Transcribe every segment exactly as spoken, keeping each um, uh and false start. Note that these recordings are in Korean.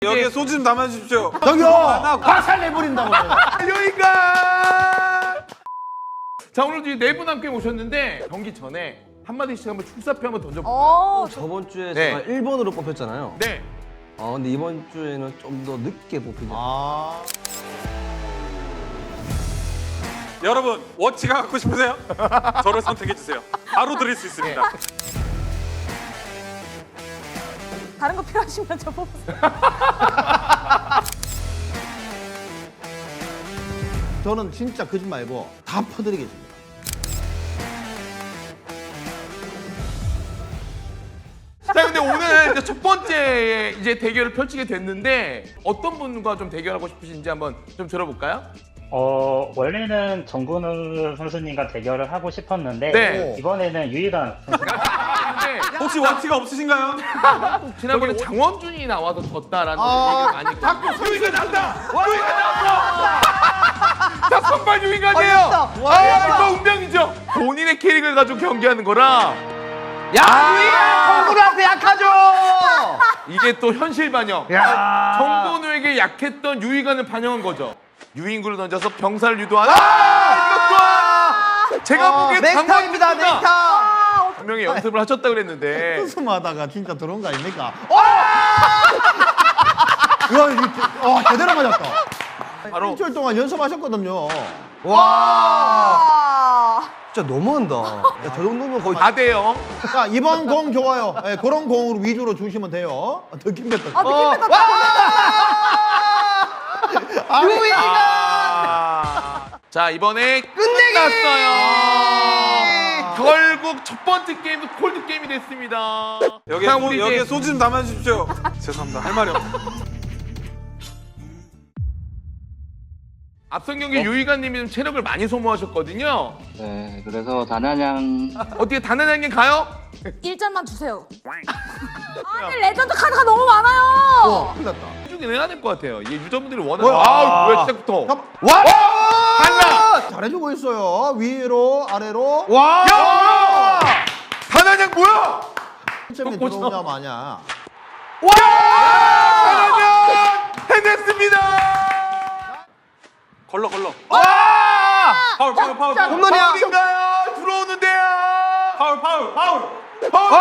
여기에 소주 좀 담아주십시오. 저기요! 화살 내버린다고. 여기가. 자, 오늘 이제 네 분 함께 모셨는데 경기 전에 한마디씩 한번 출사표 한번 던져볼까요? 어, 저번 주에 네. 제가 일 번으로 뽑혔잖아요. 네. 어, 근데 이번 주에는 좀 더 늦게 뽑히죠. 아. 여러분 워치가 갖고 싶으세요? 저를 선택해 주세요. 바로 드릴 수 있습니다. 다른 거 필요하시면 저 뽑으세요. 저는 진짜 거짓말 말고 다 퍼드리겠습니다. 자, 근데 오늘 이제 첫 번째 이제 대결을 펼치게 됐는데 어떤 분과 좀 대결하고 싶으신지 한번 좀 들어볼까요? 어, 원래는 정근우 선수님과 대결을 하고 싶었는데 네. 이번에는 유희관 선수 근데 혹시 워치가 없으신가요? 지난번에 장원준이 나와서 졌다라는 아, 얘기가 많이 있고 유희가 나온다! 유희가 나왔어! 자, 선발 유희가네요! 아, 이거 운명이죠! 본인의 캐릭을 가지고 경기하는 거라 야, 유희가 정근우한테 약하죠. 이게 또 현실 반영. 야. 정건우에게 약했던 유희관을 반영한 거죠. 유인구를 던져서 병사를 유도하는. 아! 이것 또한 제가 보기엔 넥타입니다, 장관님보다 넥타. 분명히 연습을 하셨다 그랬는데. 웃음하다가 진짜 들어온 거 아닙니까? 어! 야, 이거 어, 제대로 맞았다. 바로 일주일 동안 연습하셨거든요. 와. 아, 진짜 너무한다. 야, 저 정도면 거의 다 돼요. 자, 이번 공 좋아요. 예, 그런 공으로 위주로 주시면 돼요. 느낌 뱉다. 아, 느낌 뺐다. 아. 자, 이번에 끝났어요. 결국 첫 번째 게임도 콜드 게임이 됐습니다. 여기에, 자, 소, 우리 여기에 이제 소주 좀 담아주십시오. 죄송합니다. 할 말이 없네. 앞선 경기 유희관님이 좀 체력을 많이 소모하셨거든요. 네, 그래서 단한양 어떻게 단단하게 가요? 일 점만 주세요. 아니, 레전드 카드가 너무 많아요. 어, 큰일 났다. 해주긴 해야 될 것 같아요. 이게 유저분들이 원하는. 뭐야? 아, 왜 시작부터? 잠깐. 와! 달라! 잘해주고 있어요. 위로, 아래로. 와! 야! 단한양 뭐야? 점이 또 꽂혀. 들어오냐 마냐. 와! 단한양 해냈습니다. 걸러 걸러. 와! 파울 파울 파울 파울. 홈런이야. 파울인가요? 들어오는데요. 파울 파울 파울. 파울!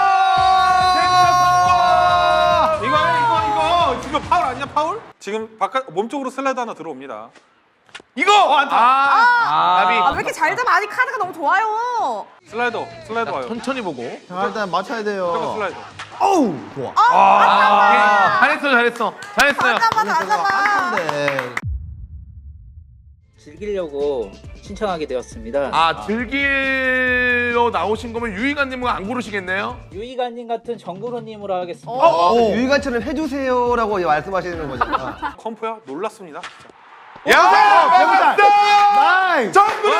이거 이거 이거 지금 파울 아니야 파울? 지금 바깥 몸쪽으로 슬라이드 하나 들어옵니다. 이거! 어, 안타. 아, 아, 왜 나비. 이렇게 잘 잡아? 아니, 카드가 너무 좋아요. 슬라이더 슬라이더 와요. 천천히 보고. 자, 일단 맞춰야 잠깐 돼요. 슬라이더. 어우, 좋아. 아, 잘했어, 잘했어. 잘했어요. 잠깐만, 잠깐만. 한데 즐기려고 신청하게 되었습니다. 아, 즐기러 나오신 거면 유희관님은 안 고르시겠네요? 유희관님 같은 정근우님으로 하겠습니다. 어, 유희관처럼 해주세요라고 말씀하시는 거잖아. 컴프야 놀랐습니다. 진짜. 야! 배우자. 나이스. 정근우!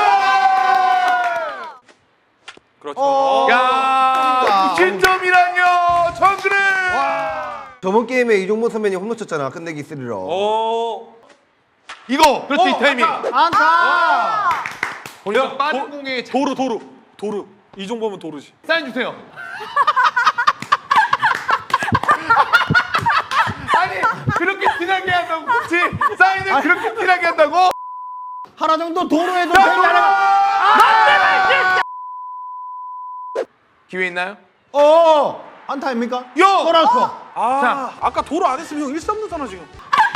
그렇죠. 어. 야, 구십 점이라뇨, 정근우! 저번 게임에 이종범 선배님 홈런 쳤잖아. 끝내기 쓰리로. 오. 이거! 그렇지, 이 타이밍. 안타. 보니까 야, 빠른 도- 공에 도루 도루 도루. 이종범은 도루지. 사인 주세요. 아니, 그렇게 티나게 한다고, 그렇지? 사인을 그렇게 티나게 한다고? 하나 정도 도로에도 자, 되잖아. 기회 있나요? 어, 안타입니까? 요! 돌아서. 아 자. 아까 도루 안 했으면 형 일 삼 루잖아 지금.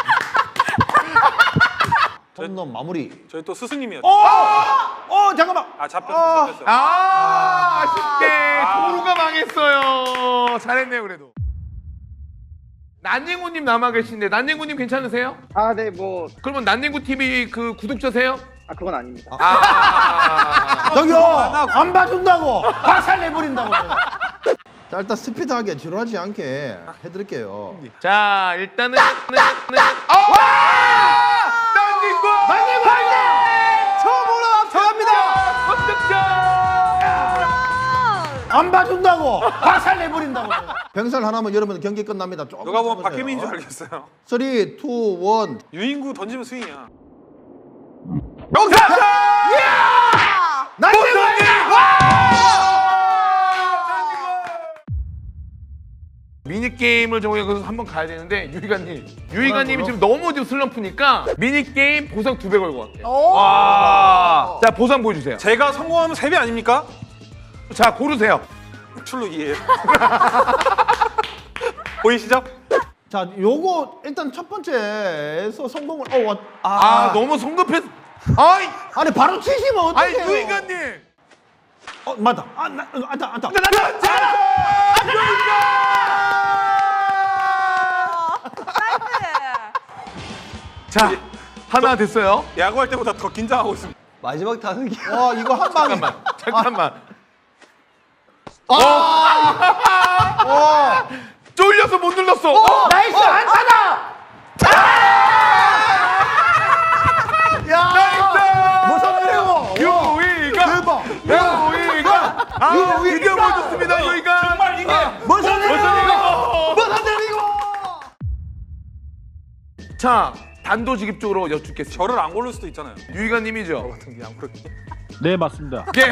홈런 마무리. 저희 또 스승님이었죠. 어, 어, 잠깐만. 아 잡혔어 잡혔어. 아, 아쉽게 도루가 망했어요. 잘했네요, 그래도. 난닝구님 남아 계신데 난닝구님 괜찮으세요? 아, 네, 뭐, 그러면 난닝구 티비 그 구독자세요? 아, 그건 아닙니다. 아, 저기요, 안 봐준다고. 화살 내버린다고. 자, 일단 스피드하게 지루하지 않게 해드릴게요. 자, 일단은 네, 네. 아! 난닝구! 난닝구 할 때! 처음으로 앞서갑니다. 선득점! 안 봐준다고. 화살 내버린다고. 병살 하나면 여러분 경기 끝납니다. 조금 누가 보면 참으세요. 박혜민인 줄 알겠어요. 삼, 이, 일. 유인구 던지면 스윙이야. 영상! 난닝구! 미니 미니게임을 저희가 그래서 한번 가야 되는데 유희관님 유희관님이 지금 너무 지금 슬럼프니까 미니게임 보상 두 배 걸고 갈게요. 와. 자 보상 보여주세요. 제가 성공하면 세 배 아닙니까? 자 고르세요. 출루기예요. 보이시죠? 자, 요거 일단 첫 번째에서 성공을 어, 와, 아, 너무 성급했. 아이 아니 바로 치시면 아이 어떡해요? 유희관님. 어, 맞다. 아, 나, 어, 안다, 안다. 자 하나 됐어요. 야구할 때보다 더 긴장하고 있습니다. 마지막 타석이. 와, 이거 한 방에. 잠깐만 잠깐만. 와, 쫄려서 못 눌렀어. 어! 나이스 안타다. 야, 무슨 일이고? 유희관 대박. 유희관 아 유희관. 드디어 보여줬습니다 유희관. 정말 이게 무슨 일이고? 일이고? 무슨 일이고? 자 단도직입적으로 여쭙겠습니다. 저를 안 고를 수도 있잖아요. 유희관님이죠. 같은 게 안 그렇게. 네, 맞습니다. 예.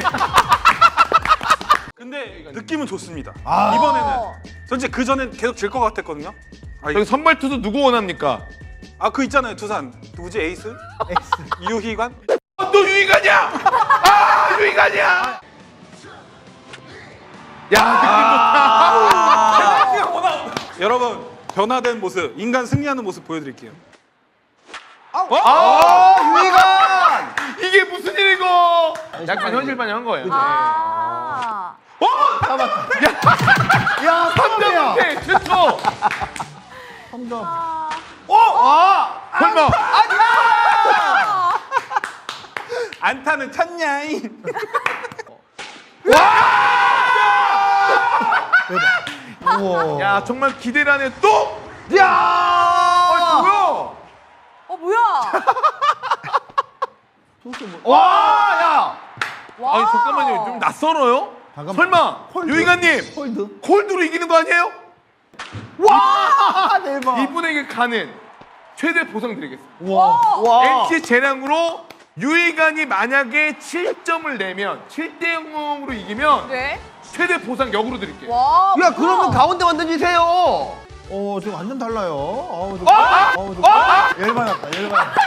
근데 느낌은 좋습니다. 아. 이번에는 솔직히 그 전엔 계속 질 것 같았거든요. 아, 여기 선발 투수 누구 원합니까? 아, 그 있잖아요. 두산 누구지? 에이스? 유희관? 어, 또 유희관이야. 아 유희관이야. 야 느낌 좋다. 여러분 변화된 모습, 인간 승리하는 모습 보여드릴게요. 아 유희관. 이게 무슨 일이고? 약간 현실 반영한 거예요. 아. 야, 삼 점 삼점이야. 못해 최초. 삼 점. 아 설마. 안타는 찼냐잉. 우와. 야 정말 기대를 하네 또. 야! 아 뭐야? 어 뭐야? 와, 야! 와. 아니 잠깐만요 좀 낯설어요? 잠깐만. 설마 홀드? 유희관님 홀드. 콜드로 이기는 거 아니에요? 와, 대박. 이분에게 가는 최대 보상 드리겠습니다. 와. 와. 엔씨 재량으로 유희관이 만약에 칠 점을 내면 칠 대 영으로 이기면 네. 최대 보상 역으로 드릴게요. 와. 야 뭐야? 그러면 가운데만 던지세요. 어, 지금 완전 달라요. 어우, 좀. 어우, 좀. 열받았다. 열받았다.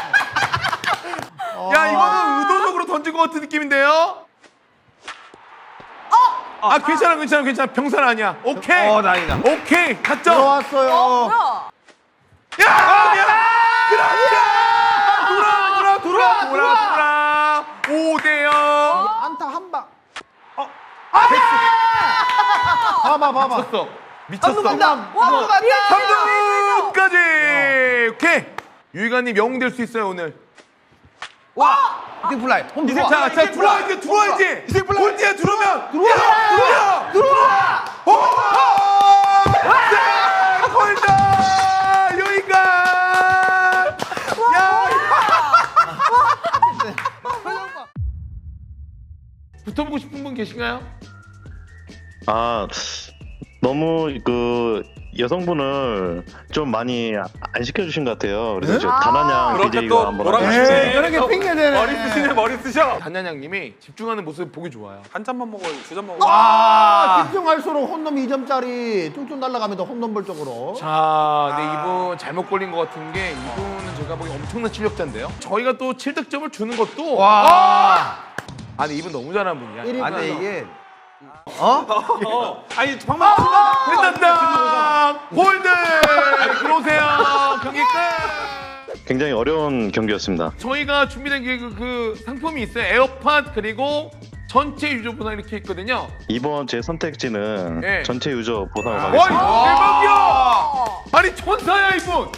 야 이거는 의도적으로 던진 것 같은 느낌인데요? 아 괜찮아 괜찮아 괜찮아 병살 아니야. 오케이. 어 다행이다. 오케이 타점. 들어왔어요. 어 뭐야? 야! 아, 미안! 그렇지! 돌아, 돌아, 돌아, 돌아, 돌아! 오 대 영! 안타 한 방. 어. 봐봐, 봐봐. 미쳤어. 미쳤어. 한방. 와. 삼 점까지! 오케이! 유희관님 영웅 될 수 있어요, 오늘. 와. 홈플라이. 홈플라이. 자, 자, 들어와야지, 들어와야지! 홀드에 들어오면! 들어와! 들어와! 들어와! 홀드! 유희관! 야! 붙어보고 싶은 분 계신가요? 아, 너무 그 여성분을 좀 많이 안 시켜주신 것 같아요. 그래서 네? 저 단한양 그렇게 비제이가 또 한번 뭐라고 하고 하시네. 싶어요. 이렇게 핑계대네. 머리 쓰시네, 머리 쓰셔. 단ян양님이 집중하는 모습 보기 좋아요. 한 잔만 먹어요, 두 잔 먹어요. 아, 집중할수록 홈런 이 점짜리 뚝뚝 날아가면서 홈런볼 쪽으로. 자, 근데 이분 잘못 걸린 것 같은 게 이분은 제가 보기 엄청난 실력자인데요. 저희가 또 칠 득점을 주는 것도 와. 아니 이분 너무 잘하는 분이야. 일 위 아니 아니, 이게 어. 아니, 방금 끝났다. 홀드. 들어오세요. 경기 끝. 굉장히 어려운 경기였습니다. 저희가 준비된 그, 그 상품이 있어요. 에어팟 그리고 전체 유저 보상 이렇게 있거든요. 이번 제 선택지는 네. 전체 유저 보상을 와, 가겠습니다. 대박이야. 아니 천사야 이분.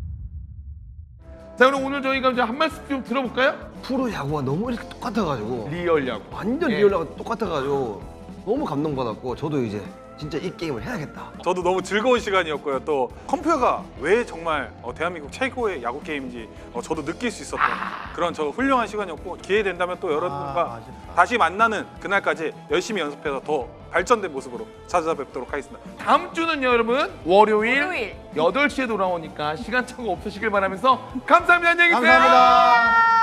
자 그럼 오늘 저희가 이제 한 말씀 좀 들어볼까요? 프로 야구가 너무 이렇게 똑같아가지고 리얼 야구. 완전 예. 리얼하고 똑같아가지고 너무 감동받았고 저도 이제 진짜 이 게임을 해야겠다. 저도 너무 즐거운 시간이었고요. 또 컴퓨터가 왜 정말 어, 대한민국 최고의 야구 게임인지 어, 저도 느낄 수 있었던 그런 저 훌륭한 시간이었고 기회 된다면 또 여러분과 아, 아쉽다. 다시 만나는 그날까지 열심히 연습해서 더 발전된 모습으로 찾아뵙도록 하겠습니다. 다음 주는 여러분 월요일, 월요일. 여덟 시에 돌아오니까 시간 착오 없으시길 바라면서 감사합니다. 안녕히 계세요. 감사합니다.